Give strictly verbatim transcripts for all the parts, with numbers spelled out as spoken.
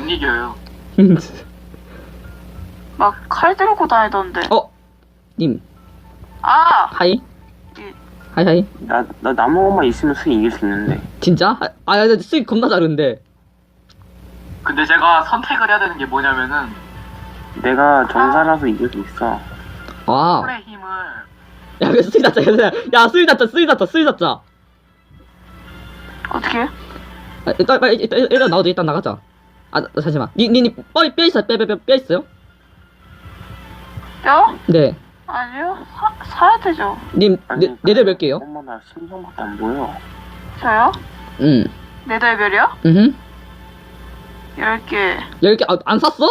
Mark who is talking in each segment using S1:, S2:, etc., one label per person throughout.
S1: 이겨요.
S2: 막 칼 들고 다니던데.
S3: 어? 님
S2: 아!
S3: 하이?
S2: 예.
S3: 하이 하이.
S4: 나, 나 나무만 있으면 수익 이길 수 있는데.
S3: 진짜? 아, 아 나 수익 겁나 잘하는데.
S1: 근데 제가 선택을 해야 되는 게 뭐냐면은
S4: 내가 전사라서 이길 수 있어.
S3: 아.
S1: 콜의 힘을
S3: 야, 그 수익 났자, 야, 수익 났자, 수익 났자, 수익 났자.
S2: 어떻게?
S3: 아, 일단, 빨리, 일단, 일단 나가자, 일단 나가자. 아, 나- 잠시만. 니, 니, 니, 뼈, 뼈 있어요? 뼈, 뼈, 뼈, 뼈 있어요?
S2: 뼈?
S3: 네.
S2: 아니요. 사, 사야 되죠.
S3: 님, 네, 네대 몇 개요?
S4: 엄마 나 심장밖에 안 보여.
S2: 저요?
S3: 응.
S2: 네달별이요?
S3: 응.
S2: 열 개.
S3: 열 개, 아, 안 샀어?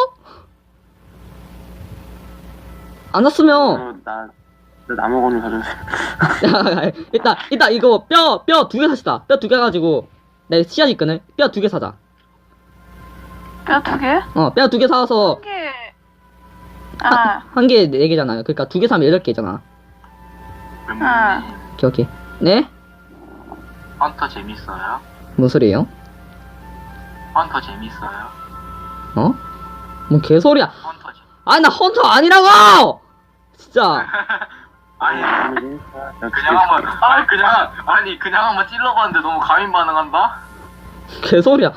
S3: 안 샀으면,
S4: 어, 나, 나 나무 건을 사줬어.
S3: 야, 일단, 일단 이거 뼈, 뼈 두 개 삽시다. 뼈 두 개 가지고, 내 씨앗 있거든? 뼈 두 개 사자.
S2: 뼈 두 개?
S3: 어, 뼈 두 개 사서,
S2: 한 개. 아,
S3: 한 개 네 개잖아요. 그러니까 두 개 사면 여덟 개잖아.
S2: 아.
S3: 오케이, 오케이. 네?
S1: 헌터 재밌어요?
S3: 뭔 소리예요?
S1: 헌터 재밌어요?
S3: 어? 뭔 개소리야.
S1: 헌터 재
S3: 아니, 나 헌터 아니라고! 진짜.
S1: 아니
S4: 나
S1: 그냥 한번 아니 그냥 아니 그냥 한번 찔러봤는데 너무 과민 반응한다?
S3: 개소리야.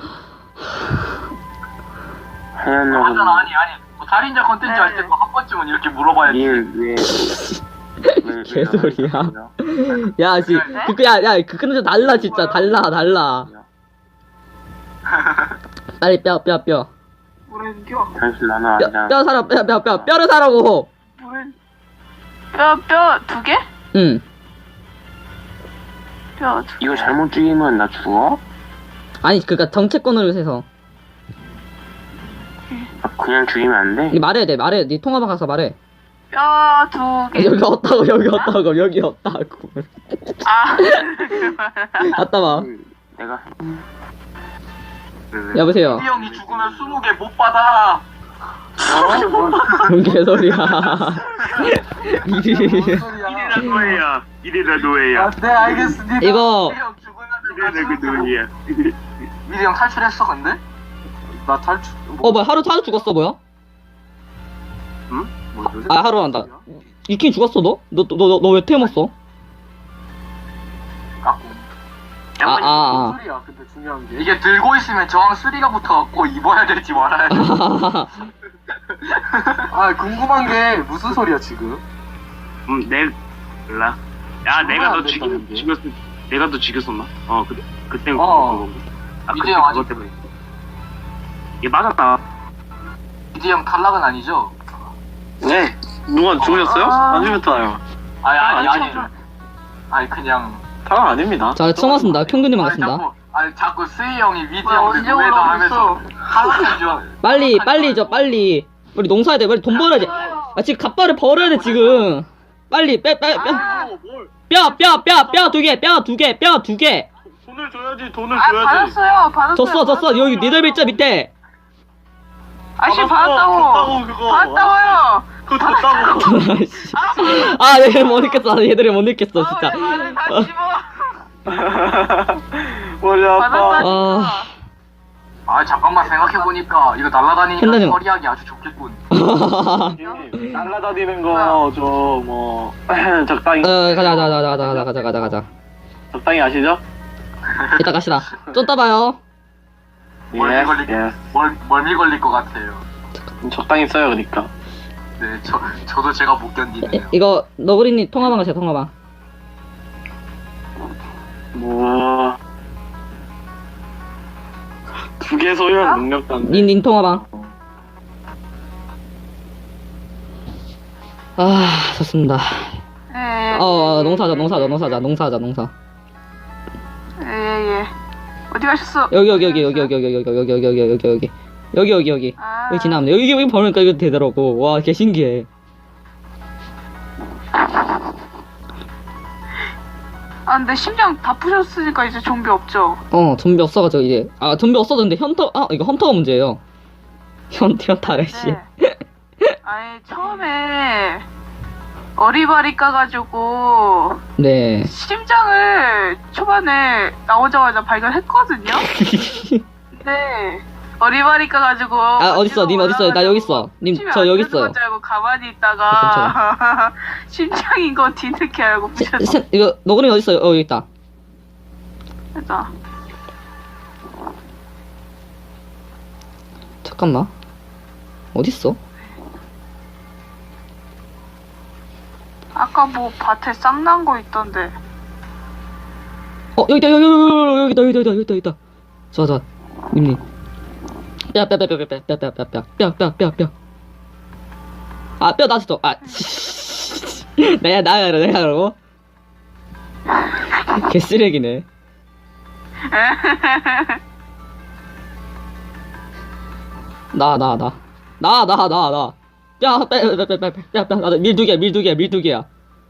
S4: 하얀
S1: 맞잖아.
S4: 나무.
S1: 아니 아니 뭐 살인자 컨텐츠 할 때도 한 번쯤은 이렇게 물어봐야지.
S4: 왜, 왜, 왜,
S3: 개소리야.
S4: 나만
S3: 야, 씨.
S2: 네?
S3: 그, 야, 야, 그, 근데 달라, 진짜. 달라, 달라. 빨리 뼈, 뼈, 뼈.
S2: 뭐라는겨?
S4: 당신 나는
S3: 뼈,
S4: 아니야.
S3: 뼈 사라, 뼈, 뼈, 뼈. 뼈를 사라고.
S2: 뭐래? 뼈, 뼈 두 개?
S3: 응.
S2: 뼈 두 개.
S4: 이거 잘못 죽이면 나 죽어?
S3: 아니, 그니까 정체권으로 해서.
S4: 아, 그냥 죽이면 안 돼?
S3: 니 말해야 돼, 말해. 니 통화방 가서 말해.
S2: 뼈 두 개.
S3: 여기 없다고, 여기 없다고, 여기 없다고.
S2: 아.
S3: 갔다 와.
S4: 그, 내가
S3: 여보세요.
S1: 이 형이 죽으면 스무 개 못 받아.
S3: 뭔 개소리야. 이리.
S1: 이래라 노예야. 이래라 노예야.
S5: 네 알겠습니다.
S3: 이거,
S1: 미리 형 죽으면
S5: 이래라 그 노예야.
S1: 미리 형 탈출했어 근데?
S5: 나 탈출.
S3: 어, 뭐야, 하루, 하루 죽었어, 뭐야?
S5: 응? 뭐 요새
S3: 아, 하루 한다. 이킨 죽었어, 너? 너, 너, 너, 너 왜 태웠어?
S1: 깎고.
S3: 아, 아, 아.
S5: 뭔 소리야? 근데 중요한 게
S1: 이게 들고 있으면 저항 쓰리가 붙어갖고 입어야 될지 말아야 돼.
S5: 아 궁금한 게 무슨 소리야 지금?
S6: 음, 내 몰라. 야, 내가
S5: 안
S6: 너 죽였,
S5: 된다는데?
S6: 죽였, 내가 너 죽였었나? 어, 그, 그때
S5: 어.
S6: 그거. 아,
S1: 이제
S6: 그때
S1: 아직-
S6: 그것 때문에. 얘 맞았다.
S1: 이지 형 탈락은 아니죠?
S5: 네. 누가 죽으셨어요?
S2: 아.
S5: 안 죽였잖아요.
S1: 아니 아니
S5: 아니,
S1: 아니. 아니 그냥.
S5: 당연 아닙니다.
S3: 자, 처음 왔습니다. 평균님
S1: 아니
S3: 반갑습니다.
S1: 자꾸 아니 자꾸 스이 형이 위지
S2: 왜
S1: 형을
S2: 언제
S1: 노예다 하면서
S2: 올라왔어?
S1: 탈락한 줄. 알-
S3: 빨리, 빨리, 저, 빨리. 우리 농사해야 돼. 빨리 돈 벌어야 돼. 아, 지금 갑바를 벌어야 돼, 지금. 빨리, 빼, 빼, 빼.
S2: 아,
S6: 뭘?
S3: 뼈, 뼈, 뼈, 뼈 두 개, 뼈 두 개, 뼈 두 개.
S6: 돈을 줘야지, 돈을
S2: 아
S6: 줘야지.
S2: 받았어요. 받았어요.
S3: 줬어, 줬어.
S2: 받았어요.
S3: 여기 니들 글자 밑에.
S2: 아씨
S6: 받았어,
S2: 받았다고.
S6: 줬다고, 그거.
S2: 받았다고요.
S6: 그거 줬다고.
S3: 아, 얘들 못 읽겠어. 얘들이 못 읽겠어, 진짜.
S2: 아, 왜 말을 다 씹어.
S5: 머리 아파.
S2: 받았다니까.
S3: 아,
S1: 아 잠깐만 생각해 보니까 이거 날라다니니까
S3: 팬더님.
S1: 처리하기 아주 좋겠군.
S5: 형님, 날라다니는 거 좀 뭐 적당히
S3: 어, 가자, 가자, 가자, 가자, 가자, 가자, 가자, 가자.
S5: 적당히 아시죠?
S3: 이따 갑시다. 좀 따 봐요.
S1: 멀미 걸릴
S5: 예.
S1: 멀 멀미 걸릴 것 같아요.
S5: 적당히 써요 그러니까.
S1: 네, 저 저도 제가 못
S3: 이-
S1: 견디네요.
S3: 이거, 너구리님 통화방 가세요, 통화방.
S5: 뭐. 두 개 소유한 능력도 안 돼.
S3: 닌, 닌 통화방. 아, 좋습니다.
S2: 예, 예.
S3: 어, 어, 농사하자, 농사하자, 농사하자, 농사하자, 농사.
S2: 예, 예. 어디 가셨어?
S3: 여기, 여기, 여기, 여기, 여기, 여기, 여기, 여기, 여기, 여기, 여기, 여기, 여기, 여기, 여기, 여기.
S2: 아.
S3: 여기 지나면 돼. 여기, 여기 보니까 이거 되더라고. 와, 개 신기해.
S2: 아 근데 심장 다 부셨으니까 이제 좀비 없죠?
S3: 어, 좀비 없어가지고 이제. 아, 좀비 없어졌는데 헌터, 아, 이거 헌터가 문제예요. 현, 현타, 아저씨.
S2: 네. 아니 처음에 어리바리 까가지고
S3: 네.
S2: 심장을 초반에 나오자마자 발견했거든요? 근데 어리바리 까가지고.
S3: 아 어딨어 님 어딨어 나 여기 있어 님 저 여기 있어요
S2: 줄 알고 가만히 있다가 심장인 거 뒤늦게 알고 부셨어.
S3: 세, 이거 너구리 어딨어요 어 여기 있다
S2: 됐다.
S3: 잠깐만 어딨어
S2: 아까 뭐 밭에 쌍난 거 있던데.
S3: 어 여기다 여기 여기 여기다 여기다 여기다 여기다 여기다 좋아 좋아 님님 뼈뼈뼈뼈뼈뼈뼈뼈뼈뼈뼈뼈뼈 아 뼈 나왔어 아 나야 나야 내가 그러고 개쓰레기네 나 나 나 나 나 나나뼈뼈뼈뼈뼈뼈뼈밀 두 개야 밀 두 개야 밀 두 개야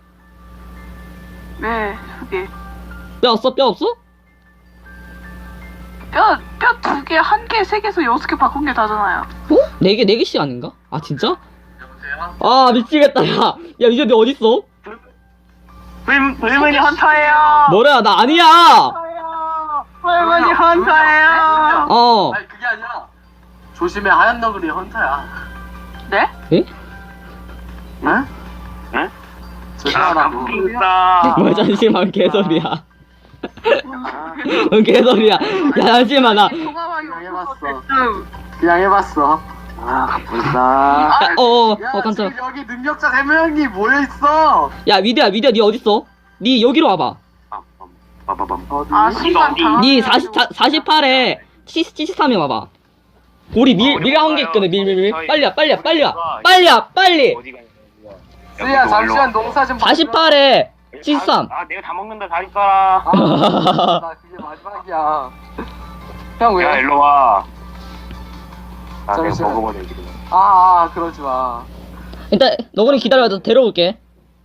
S2: 네, 그게.
S3: 뼈 없어 뼈 없어?
S2: 뼈, 뼈 두 개, 한 개, 세 개에서 여섯 개 바꾼 게 다잖아요.
S3: 어? 네 개, 네 개씩 아닌가? 아, 진짜?
S1: 여보세요?
S3: 아, 미치겠다, 야. 야, 이제 너 어딨어?
S6: 불, 불문이 헌터예요.
S3: 뭐야, 나 아니야!
S2: 헌터예요. 할머니 헌터예요.
S3: 어.
S5: 아니 그게 아니라 조심해 하얀 너구리 헌터야.
S2: 네?
S3: 에?
S5: 응?
S6: 응?
S5: 조심하라고.
S6: 불사.
S3: 뭐야, 잠시만, 개소리야. 뭔 개소리야. 야, 잠시만, 나.
S2: 동화방이
S5: 그냥 해봤어.
S2: 어쨌든.
S5: 그냥 해봤어. 아 불사.
S3: 야, 어, 어,
S5: 야
S3: 어, 깜짝.
S5: 지금 여기 능력자 세 명이 모여 있어.
S3: 야, 미드야, 미드야, 니 어딨어? 니 여기로 와봐.
S6: 빠바밤.
S5: 어디?
S2: 아, 순간
S6: 어디?
S2: 당황.
S3: 니 사십, 사십팔에 칠십삼에 와봐. 우리 밀, 밀 한 개 있거든, 밀, 밀, 밀. 빨리 와, 빨리 와, 빨리 와. 빨리 와, 빨리!
S6: 어디가 있는 거야?
S5: 수야 잠시만 농사 좀.
S3: 사십팔에 칠십삼.
S6: 아, 내가 다 먹는다. 다 있어라.
S5: 아, 나 그게 마지막이야. 형 왜?
S6: 야, 일로 와. 나 내가
S5: 잠시만.
S6: 먹어보네 지금.
S5: 아, 아 그러지 마.
S3: 일단, 너구리 기다려, 나 데려올게.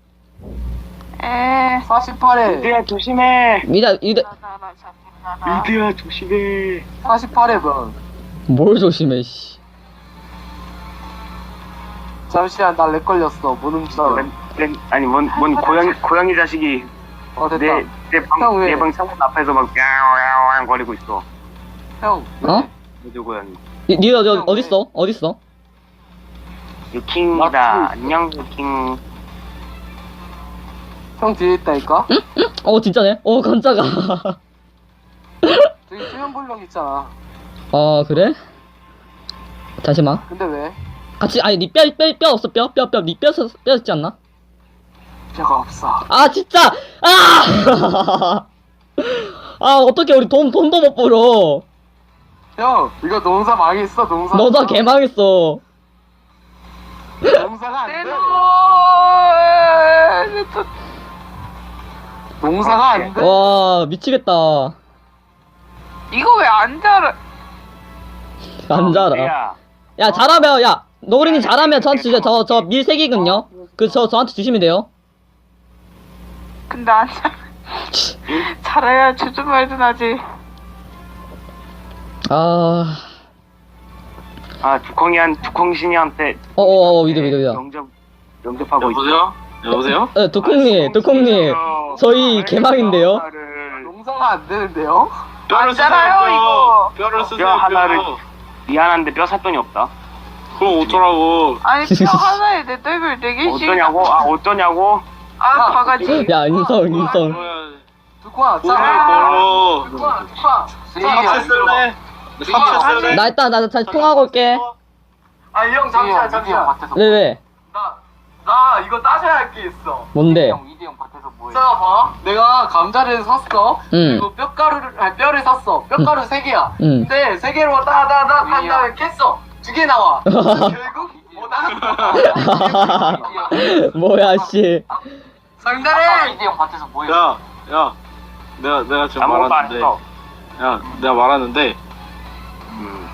S2: 에.
S5: 사십팔에
S6: 미드야 조심해.
S3: 미드, 미드.
S2: 나나나 잡히나.
S6: 미드야 조심해.
S5: 사십팔에 번.
S3: 뭘 조심해, 씨.
S5: 잠시만 나 렉 걸렸어. 못 움직여.
S6: 렌, 렌, 아니 뭔, 뭔 고양이 고양이 자식이
S5: 어 됐다.
S6: 내
S5: 형,
S6: 내방
S5: 왜?
S6: 내 방 창문 앞에서 막 야옹야옹 거리고 있어.
S5: 형.
S3: 어?
S6: 미드 고양이.
S3: 니, 니 어디, 어딨어? 어딨어?
S6: 유킹이다.
S5: 맞지?
S6: 안녕 유킹.
S5: 형 뒤에 있다니까?
S3: 어, 진짜네? 어, 깜짝아.
S5: 저기 수면 불령 있잖아.
S3: 어, 그래? 잠시만.
S5: 근데 왜?
S3: 같이, 아니, 니 뼈, 뼈, 뼈 없어, 뼈, 뼈, 뼈. 니 뼈, 써- 뼈 있지 않나?
S5: 뼈가 없어.
S3: 아, 진짜! 아! 아, 어떻게 우리 돈, 돈도 못 벌어.
S5: 형 이거 농사 망했어 농사.
S3: 너도 개망했어.
S5: 농사가 안
S2: 내
S5: 돼.
S2: 돈.
S5: 농사가 안 돼.
S3: 와, 미치겠다.
S2: 이거 왜 안 자라?
S3: 안 자라.
S6: 야,
S3: 야, 잘하면, 야, 너구리님 잘하면 저한테 주세요. 저, 저 밀색이거든요. 그, 저, 저한테 주시면 돼요.
S2: 근데 안 자. 잘해야 주준 말든 하지.
S3: 아,
S6: 아 두콩이한 두콩신이한테
S3: 어어어, 믿어, 믿어, 믿어.
S6: 영접 영접하고 있어.
S1: 여보세요? 여보세요?
S3: 에, 두콩님, 두콩님. 저희 개망인데요?
S5: 농사가 안 되는데요?
S1: 뼈를
S2: 안 자라요, 이거.
S1: 뼈를 쓰세요.
S6: 뼈 하나를
S1: 뼈.
S6: 미안한데 뼈 살 돈이 없다.
S1: 그럼 어쩌라고?
S2: 아니 뼈 하나에 내 떡을 네 개씩.
S6: 어떠냐고? 아 어떠냐고?
S2: 아 바가지.
S3: 야, 인성, 인성.
S5: 두꺼아
S1: 돈을
S5: 짜.
S1: 벌어.
S5: 두꺼아 두꺼아.
S1: 사채 쓸래? 사채 쓸래?
S3: 나 일단, 나 다시 통화하고 올게.
S5: 아이 형 잠시만 잠시만.
S3: 왜, 왜?
S5: 나, 나 이거 따져야 할 게 있어.
S3: 뭔데?
S5: 이대 형 밭에서 뭐해? 자, 봐. 내가 감자를 샀어.
S3: 응.
S5: 그리고 뼈가루를, 아니, 뼈를 샀어. 뼈가루 세 개야.
S3: 응.
S5: 근데 세 개로 따다다 한 다음에 깼어. 두 개 나와. 그래서 결국 못 나갔어.
S3: 뭐야, 씨.
S5: 상자래! 이대 형 밭에서 뭐해?
S1: 야, 야. 내가 내가 지금
S6: 아무것도 안
S1: 말하는데.
S6: 했어.
S1: 야, 내가 말하는데
S6: 음.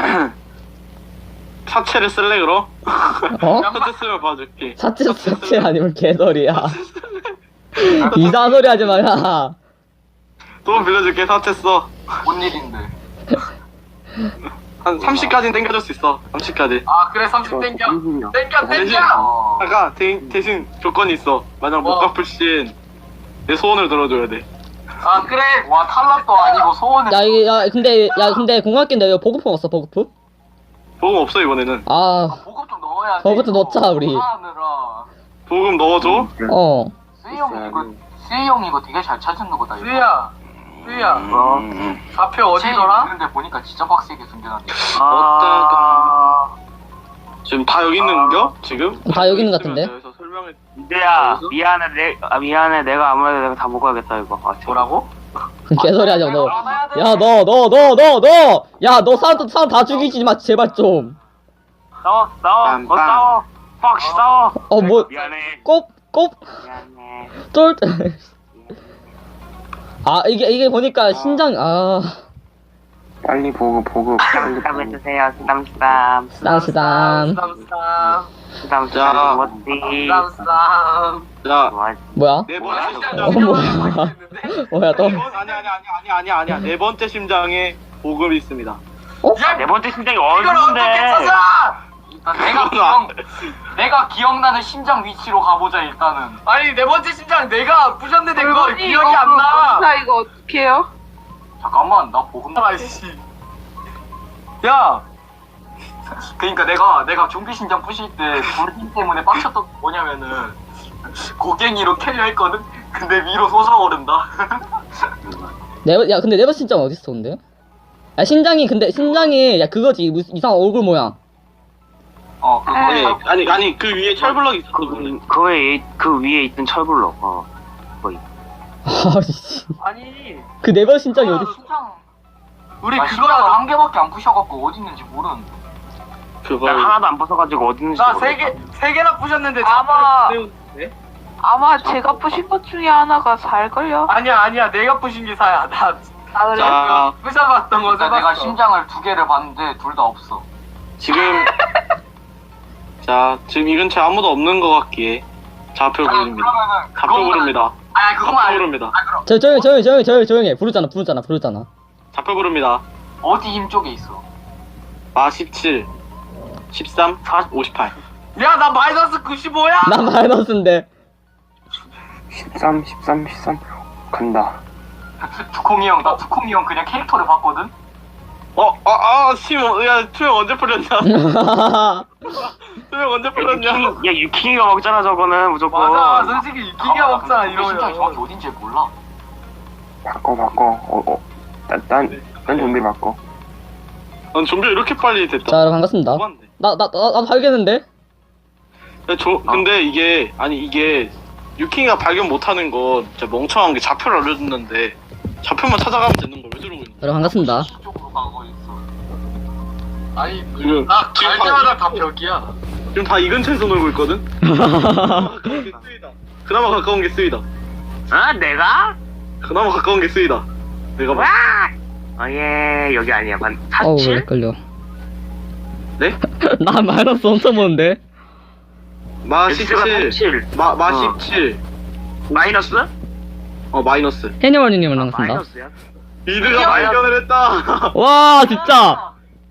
S1: 사채를 쓸래 그럼?
S3: 어?
S1: 사채 쓰면 봐줄게.
S3: 사치, 사치 아니면 개소리야. 이상한 소리 하지 마, 야.
S1: 돈 빌려줄게. 사채 써.
S5: 뭔 일인데?
S1: 한 삼십까지는 땡겨줄 수 있어. 삼십까지.
S5: 아, 그래, 삼십 땡겨. 땡겨,
S1: 대신
S5: 땡겨!
S1: 아까 대, 대신 조건이 있어. 만약 못
S5: 뭐?
S1: 갚을 시엔 내 소원을 들어줘야 돼.
S5: 아 그래.
S1: 와 탈락도 아니고 소원을.
S3: 야 이게 야 근데 야 근데 공학기인데 이거 보급품 없어 보급품?
S7: 보금 없어 이번에는.
S3: 아
S1: 보급 좀 넣어야 돼.
S3: 보급 좀 넣자, 우리.
S1: 하느라.
S7: 보금 넣어줘.
S3: 어.
S1: 수희 형 이거 수희 형 이거 되게 잘 찾는 거다. 이거.
S5: 수희야. 수희야.
S6: 어.
S5: 좌표 어디더라?
S1: 근데 보니까 진짜 빡세게 숨겨놨네.
S6: 아.
S7: 지금 다 여기 있는겨? 지금?
S3: 다 여기 있는 것 같은데?
S7: 그래서 설명해.
S6: 이제야 미안해 내 아, 미안해 내가 아무래도 내가 다 먹어야겠다 이거. 아,
S5: 뭐라고?
S3: 개소리 하지 마, 너. 야, 너, 너, 너, 너, 너! 야, 너 사람, 사람 다 죽이지 마, 제발 좀.
S6: 싸워 싸워 어
S7: 빰빰.
S6: 싸워 빡 싸워.
S3: 어, 뭐,
S6: 미안해
S3: 꼽, 꼽,
S6: 미안해.
S3: 쫄. 아, 이게, 이게 보니까 신장, 아.
S4: 빨리 보급 보급 빨리
S6: 수담
S4: 보급.
S6: 해주세요 수담 수담
S3: 쓰담, 쓰담.
S5: 쓰담 쓰담.
S6: 수담
S7: 자.
S6: 수담 뭐지
S5: 쓰담 쓰담.
S7: 자,
S6: 뭐
S3: 뭐야?
S7: 네
S5: 뭐야?
S7: 번째
S3: 어,
S7: 심장.
S3: 뭐야. 뭐야, 또.
S7: 아니 아니 아니 아니 아니 아니야. 네 번째 심장에 보급이 있습니다.
S6: 네 번째 심장이
S5: 이걸 어떻게
S6: 어딘데
S5: 찾아?
S1: 일단 내가 기억 내가 기억나는 심장 위치로 가보자 일단은.
S5: 아니 네 번째 심장 내가 부셨는데 그거
S2: 물건이
S5: 기억이
S2: 이거
S5: 안 나.
S2: 나 이거 어떻게 해요?
S1: 잠깐만 나 보급.
S5: 아이씨. 야.
S1: 그러니까 내가 내가 좀비 심장 부실 때 불힘 때문에 빡쳤던 게 뭐냐면은 고갱이로 캐려 했거든. 근데 위로 솟아오른다.
S3: 네버, 야, 근데 네버 신장 어딨어, 근데? 야, 신장이, 근데, 신장이, 야, 그거지. 무슨 이상한 얼굴 모양.
S1: 어 그거.
S7: 아니 아니 아니 그 위에 철블럭이 있어.
S6: 그, 그, 위에, 그 위에 있던 철블럭 어
S3: 아씨.
S5: 아니.
S3: 그 네버 신장이 어딨어?
S1: 심장.
S5: 우리
S1: 아,
S5: 그거
S1: 심장을 한 개밖에 안 부셔갖고 어디 있는지 모르는데.
S6: 나
S7: 그걸
S6: 하나도 안 벗어가지고 어디 있는지
S5: 나
S6: 모르겠어.
S5: 세 개 세 개나 부셨는데
S2: 아마-
S5: 자꾸 네?
S2: 아마 제가 부신 것 중에 하나가 살걸요?
S5: 아니야 아니야 내가 부신 게 사야. 나
S2: 아 그래?
S7: 자
S5: 부셔봤던 거
S1: 그러니까 내가
S5: 써봤어.
S1: 심장을 두 개를 봤는데 둘 다 없어.
S7: 지금 자 지금 이 근처에 아무도 없는 것 같기에 좌표 부릅니다.
S1: 그러면은
S7: 좌표 부릅니다.
S1: 아니 그거만
S7: 좌표
S1: 알려.
S7: 부릅니다.
S1: 아 그럼
S3: 저, 조용히, 조용히, 조용히, 조용히, 조용히 해. 부르잖아, 부르잖아, 부르잖아.
S7: 좌표 부릅니다.
S1: 어디 힘 쪽에 있어?
S7: 마 십칠, 십삼, 오십팔.
S5: 야 나 마이너스 구십오야.
S3: 나 마이너스인데.
S4: 십삼 십삼 십삼 간다.
S1: 두콩이 형, 나 두콩이 형 그냥 캐릭터를 봤거든?
S7: 어, 아, 아, 심, 야, 투명 언제 풀렸냐? 투명 언제 풀렸냐?
S6: 야 유킹이가 먹잖아 저거는 무조건.
S5: 맞아 솔직히 기가 먹잖아
S1: 심장이 정확히
S5: 이러면.
S1: 어딘지 몰라.
S4: 바꿔 바꿔. 어어. 딴딴 좀비 바꿔.
S7: 넌 좀비 이렇게 빨리 됐다.
S3: 자, 여러분, 반갑습니다.
S7: 너무한데.
S3: 나, 나, 나, 나도 알겠는데?
S7: 야, 저, 근데 이게, 아니, 이게, 유킹이가 발견 못하는 거, 진짜 멍청한 게 좌표를 알려줬는데, 좌표만 찾아가면 되는 걸 왜 저러고 있는 거야?
S3: 여러분, 반갑습니다.
S1: 이쪽으로 가고 있어.
S5: 아니
S7: 지금,
S5: 나
S7: 지금
S5: 갈
S7: 다,
S5: 때마다 다 벽이야.
S7: 지금 다 이 근처에서 놀고 있거든? 그나마 가까운 게 쓰이다. 그나마 가까운 게 쓰이다.
S6: 아 내가?
S7: 그나마 가까운 게 쓰이다. 내가 봐.
S6: 어예 여기 아니야 반
S3: 어우,
S6: 사칠?
S3: 헷갈려.
S7: 네?
S3: 나 마이너스 엄청 보는데?
S7: 마
S6: X가
S7: 십칠.
S6: 삼칠.
S7: 마, 마
S6: 어.
S7: 십칠.
S6: 마이너스?
S7: 어, 마이너스.
S3: 해니월님을 반갑습니다.
S6: 마이너스야?
S7: 이드가 발견을 했다.
S3: 와, 진짜!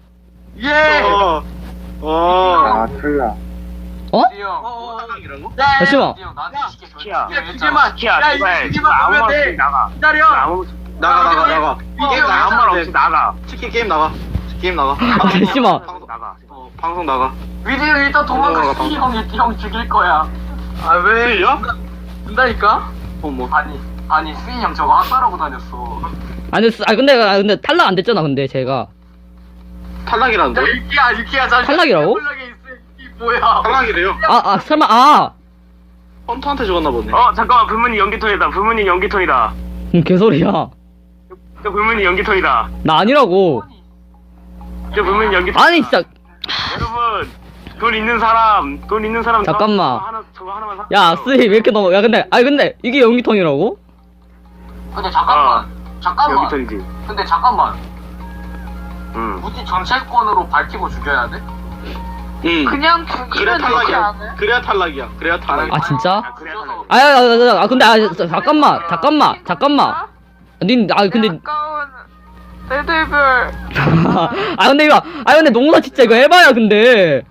S5: 예.
S7: 어. 어.
S4: 아 틀려.
S1: 디디 형.
S5: 어.
S7: 사랑이라고?
S3: 잠시만.
S1: 디디 형 나한테 시계
S6: 시키야.
S1: 결제
S5: 야, 두 개만.
S6: 키야
S5: 야,
S6: 제발
S5: 이 개만
S6: 아무
S5: 보면
S6: 말
S5: 돼.
S6: 없이 나가.
S5: 기다려.
S6: 아무
S7: 나가 나가 나가.
S5: 게임 나가.
S6: 아무 말 없이 나가.
S7: 치킨 게임 나가. 게임 나가.
S3: 아, 잠시만.
S7: 방송
S6: 나가.
S7: 어, 방송 나가.
S1: 위디 형 일단 도망가.
S7: 방송
S1: 디
S7: 나가,
S1: 형이 디 형 죽일 거야.
S5: 아 왜?
S7: 수이야?
S5: 준다니까?
S7: 어 뭐.
S1: 아니 아니 수인 형 저거 학살하고 다녔어.
S3: 아니, 아, 근데, 아, 근데 탈락 안 됐잖아, 근데, 제가.
S7: 탈락이라는데?
S5: 야 유키야 유키야 잠시.
S3: 탈락이라고?
S5: 탈락에 있어. 이 뭐야?
S7: 탈락이래요.
S3: 아, 아, 설마, 아!
S7: 헌터한테 죽었나 보네.
S6: 어 잠깐만 불문이 연기톤이다. 불문이 연기톤이다.
S3: 음, 개소리야.
S6: 저 불문이 연기톤이다.
S3: 나 아니라고.
S6: 저 불문이 연기톤.
S3: 아니, 진짜.
S6: 여러분 돈 있는 사람 돈 있는 사람
S3: 잠깐만.
S6: 저거 하나 저거 하나만 사.
S3: 야, 쓰이, 왜 이렇게 넘어. 야, 근데, 아니, 근데, 이게 연기통이라고?
S1: 근데 잠깐만. 잠깐만.
S6: 연기톤이지.
S1: 근데 잠깐만.
S6: 응.
S1: 굳이 전체권으로 밝히고 죽여야 돼?
S7: 응.
S2: 그냥
S7: 그래야
S2: 죽이면 되지
S7: 탈락이야.
S2: 않아요?
S7: 그래야 탈락이야. 그래야 탈락이야.
S3: 아, 진짜?
S6: 아 그래야 탈락.
S3: 아, 야, 야, 야, 야, 아, 근데, 아, 자, 잠깐만, 잠깐만, 잠깐만. 닌, 아, 근데,
S2: 가까운 레드별.
S3: 아, 근데 이거, 아, 근데 농사 진짜 이거 해봐야, 근데.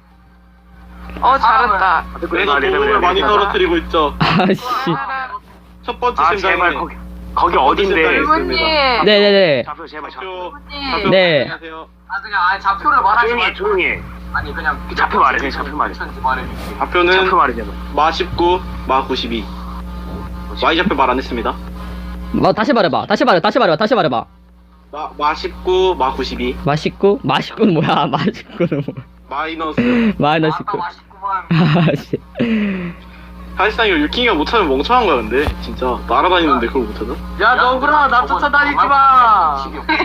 S2: 어 잘했다.
S7: 그래서 도움을 많이 떨어뜨리고 있죠.
S3: 아씨.
S7: 첫 번째
S6: 아
S7: 심장에
S6: 제발 거기 거기 어딘데?
S2: 부모님.
S3: 네네네.
S6: 좌표 제발 좌표.
S7: 좌표.
S2: 부모님.
S7: 좌표
S3: 네.
S7: 안녕하세요.
S1: 아 그냥 아니 좌표를 말하지
S6: 조용히 해
S1: 말고
S6: 조용히 해.
S1: 아니 그냥
S6: 좌표 말해, 그냥 좌표 말해.
S1: 천지 말해줄게.
S7: 좌표는
S6: 좌표 말이잖아.
S7: 마 십구, 마 구십이. Y 좌표 말 안 했습니다.
S3: 뭐 다시 말해봐. 다시 말해. 다시 말해봐. 다시 말해봐.
S7: 마, 마 십구, 마 구십이.
S3: 맛있고 맛있고는 뭐야? 맛있고는 뭐?
S7: 마이너스.
S3: 마이너스
S1: 아까
S3: 구.
S1: 맛있구만.
S3: 아씨.
S7: 사실상 이거 유킹이가 못하면 멍청한 거야 근데 진짜 날아다니는데 그걸 못하나?
S5: 야 너구나 나 쫓아다니지 마.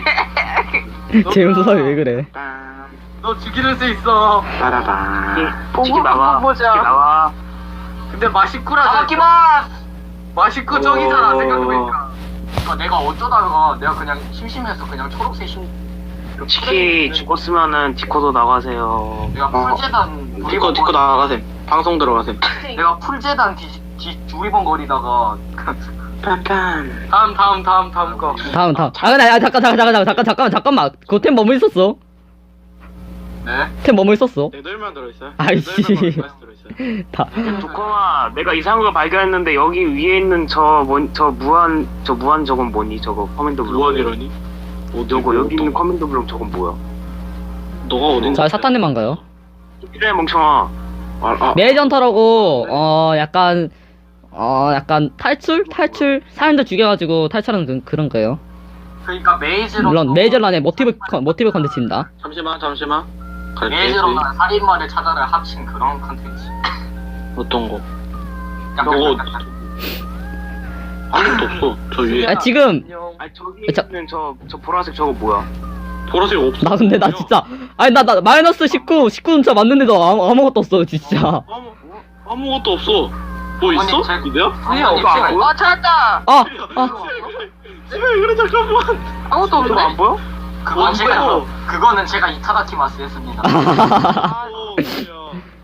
S3: 재훈 사람이 왜 그래?
S5: 너 죽일 수 있어.
S7: 빠라바.
S6: 치킨 나와.
S5: 보자.
S6: 치킨 나와.
S5: 근데 맛있구라.
S1: 나가기만.
S5: 맛있고 저기잖아
S7: 어.
S5: 생각해보니까.
S1: 아, 내가 어쩌다가 내가 그냥 심심해서 그냥 초록색 심. 그
S6: 치킨 죽었으면은 디코도 나가세요.
S1: 내가
S7: 어.
S1: 풀재단
S7: 디코 디코 나가셈. 방송 들어가셈.
S1: 내가 풀재단 뒤, 뒤 두리번거리다가
S7: 빰빰.
S5: 다음 다음 다음 다음 거.
S3: 다음 다음. 아 근데 아, 잠깐 잠깐 잠깐 잠깐 잠깐 잠깐만. 그템 뭐뭐 있었어?
S1: 네.
S3: 템 뭐뭐 있었어?
S7: 네덜만 들어있어요.
S3: 아이씨.
S7: 네덜만 들어있어요.
S3: 다.
S6: 조커마, 내가 이상한 걸 발견했는데 여기 위에 있는 저뭔저 무한 저 무한 저건 뭐니? 저거 커맨더 블록.
S7: 무한이라니? 어디
S6: 저거 여기 있는
S7: 너,
S6: 커맨더 블록 저건 뭐야?
S7: 너가 어딘지.
S3: 자 사탄님만 가요.
S6: 필요해 멍청아.
S7: 아, 아.
S3: 매전터라고 어 약간 어 약간 탈출 탈출 사람들 죽여가지고 탈출하는 그, 그런 거예요.
S1: 그러니까 메이즈로
S3: 물론 매전란의 모티브 컨- 모티브 컨텐츠입니다.
S7: 잠시만 잠시만. 갈게.
S1: 메이즈로만 살인마를 찾아를 합친 그런 컨텐츠.
S7: 어떤 거?
S1: 약간
S7: 저거
S1: 약간
S7: 아무것도 없어. 저 위에
S3: 아 지금
S6: 아니 저기
S3: 자-
S6: 있는 저 저 보라색 저거 뭐야?
S7: 보라색 없어.
S3: 나 근데 나 진짜 아니 나 나 마이너스 십구 십구 진짜 맞는데도 아무, 아무것도 없어 진짜.
S7: 아무 아무것도 없어. 뭐 있어?
S1: 아니, 제-
S7: 이데요?
S1: 아니,
S6: 이거 안 보여?
S2: 어 찾았다.
S3: 아 아.
S7: 그래 잠깐만.
S2: 아무것도
S6: 저거
S2: 없는데.
S6: 안 보여?
S1: 그건
S7: 어,
S1: 제가
S7: 뭐야?
S1: 그거는 제가 이타다키마스 했습니다.
S7: 어, 뭐야.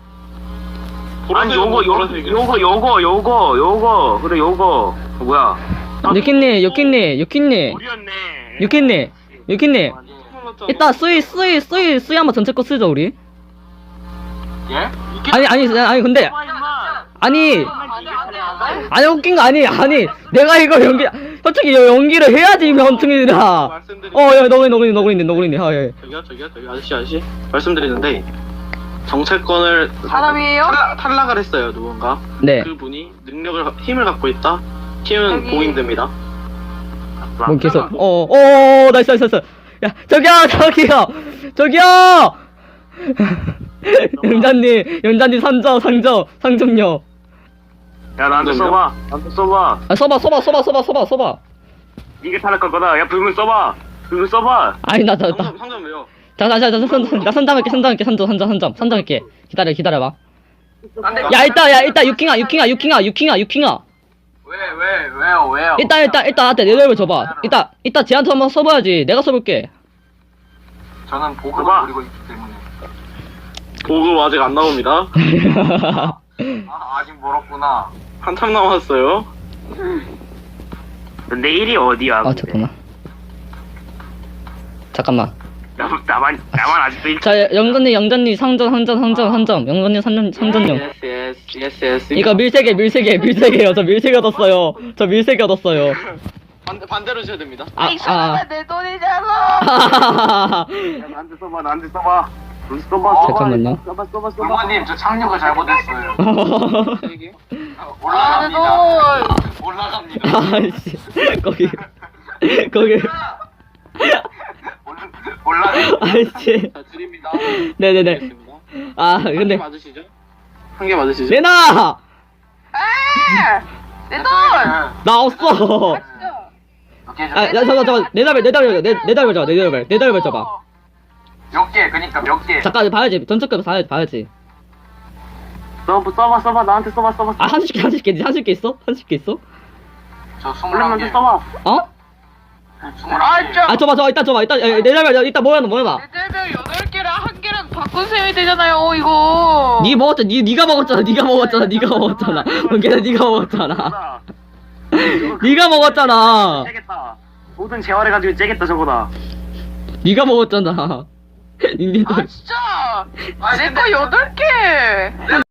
S6: 아니
S7: 보라색은
S6: 요거
S7: 뭐
S6: 요
S7: 보라색이야?
S6: 요거 요거 요거 요거 그래 요거 뭐야?
S3: 유키님 유키님 유키님
S6: 우리였네.
S3: 유키님 유키님
S7: 몰랐잖아.
S3: 이따 수이 수이 수이 수이 한번 전체 거 쓰죠 우리.
S1: 예?
S3: 아니 아니 아니 근데 아니 아니 웃긴 거 아니 아니 내가 이거 연기 솔직히 연기를 해야지 명퉁이들아.
S7: 말씀드리.
S3: 어야 너구리 너구리 너구리네 너구리네 아 예.
S7: 저기요 저기요 저기 아저씨 아저씨 말씀드리는데 정체권을
S2: 사람이에요?
S7: 탈락, 탈락을 했어요 누군가.
S3: 네.
S7: 그분이 능력을 힘을 갖고 있다. 힘은
S2: 여기-
S7: 봉인됩니다.
S3: 뭐 계속 어어 나이스 나이스 나이스. 야 저기요 저기요 저기요. 영자님 영자님 상점 상점 상점요.
S6: 야 나한테 써봐. 나한테 써봐.
S3: 아 써봐 써봐 써봐 써봐 써봐 써봐.
S6: 이게 탈락할 거다. 야 불문 써봐. 불문 써봐.
S3: 아니 나 나 나.
S7: 상점 상점 왜요?
S3: 자자자자 나 선점할게 선점할게 선점 선점 선점 선점할게. 기다려 기다려봐.
S5: 안돼.
S3: 야 이따 야 이따 유킹아 유킹아 유킹아 유킹아 유킹아.
S1: 왜왜 왜요 왜요?
S3: 일단 일단 일단 나한테 내려를 줘봐. 이따 이따 쟤한테 한번 써봐야지. 내가 써볼게.
S1: 저는 보급을
S6: 봐봐.
S1: 노리고 있기 때문에.
S7: 보급 아직 안 나옵니다.
S1: 아 아직 멀었구나.
S7: 한참 남았어요.
S6: 내일이 어디야?
S3: 아
S6: 근데?
S3: 잠깐만. 잠깐만.
S6: 나, 나만 나만 아직도 일.
S3: 자 영전님 영전님 상점 상점 상점 상점 영전님 상점 상점용.
S7: 예스 예스 예스 예스.
S3: 이거 밀세개 밀세개 밀세개요. 저 밀세개 얻었어요. 저 밀세개 얻었어요.
S7: 반대 반대로 주셔야 됩니다.
S3: 아
S2: 이
S3: 아.
S2: 사람아 내 돈이잖아.
S3: 아.
S6: 야, 나한테 써봐. 나한테 써봐. 불 써봐.
S3: 잠깐만요.
S6: 써봐 써봐 써봐.
S1: 부모님 저 착륙을 잘못했어요.
S2: 아, 내
S1: 올라갑니다.
S2: 돈.
S1: 올라갑니다.
S3: 아이씨 거기 거기
S1: 올라갑니다.
S3: 아이씨.
S7: 자 드립니다.
S3: 네네네.
S7: 알겠습니다.
S3: 아
S7: 한 개
S3: 근데
S7: 맞으시죠? 한 개 맞으시죠?
S3: 레나
S2: 아! 내 돈.
S3: 나 없어. 아, 야, 잠깐, 잠깐, 내 달벨, 내 달벨, 내, 내 달벨 잡아, 내 달벨, 내 달벨 잡아.
S1: 몇 개? 그니까 몇 개?
S3: 잠깐, 봐야지, 전적급 봐야지, 봐야지.
S6: 써봐 써봐 써봐. 나한테 써봐 써봐.
S3: 아, 한십 개, 한십 개, 한십 개 있어? 한십 개 있어?
S1: 저
S6: 얼른
S1: 스물한
S6: 먼저
S1: 개.
S6: 써봐.
S3: 어?
S1: 스물한 개.
S3: 아, 줘봐, 줘봐, 이따 줘봐, 이따, 야, 내 달벨, 이따 뭐야, 너 뭐야,
S2: 내 달별 여덟 개랑 한 개랑 바꾼 셈이 되잖아요. 이거.
S3: 니 먹었잖아, 니, 니가 먹었잖아, 니가 먹었잖아, 니가 먹었잖아. 걔네 니가 먹었잖아. 니가 먹었잖아.
S6: 째겠다. 모든 재활해가지고 째겠다 저거다.
S3: 니가 먹었잖아. 닌텐도.
S2: 아 진짜. 내 거 여덟 개.
S1: 내가